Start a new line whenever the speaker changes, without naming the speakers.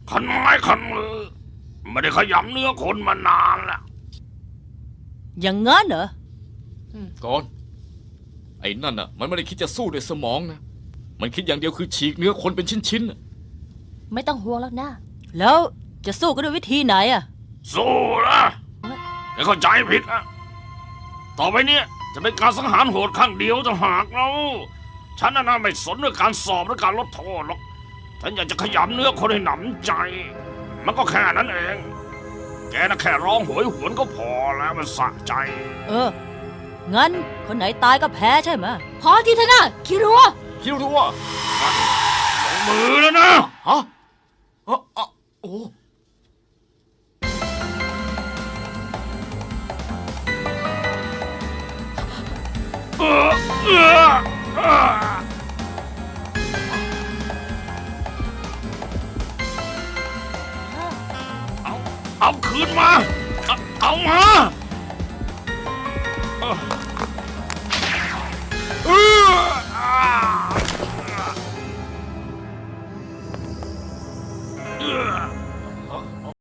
คันไม้คันมือไม่ได้ขยำเนื้อคนมานานแล้ว
อย่างงั้นเหรอ
ก่อนไอ้นั่นน่ะมันไม่ได้คิดจะสู้ด้วยสมองนะมันคิดอย่างเดียวคือฉีกเนื้อคนเป็นชิ้นๆน่ะ
ไม่ต้องห่วงแล้วนะ
แล้วจะสู้กันด้วยวิธีไหนอ่ะ
สู้นะแกเข้าใจผิดนะต่อไปเนี้ยจะเป็นการสังหารโหดข้างเดียวจะหากเราฉันน่ะไม่สนเรื่องการสอบหรือการลดโทษหรอกฉันอยากจะขยำเนื้อคนให้หนำใจ มันก็แค่นั้นเอง แกน่ะแค่ร้องโหยหวนก็พอแล้วมันสะใจ
งั้นคนไหนตายก็แพ้ใช่ไหม
พอทีเถอะนะคิรัว
คิดรู้ว่า
ลงมือแล้วนะ
ฮะโอ้
เออเออเออเอาคืนมา เอามา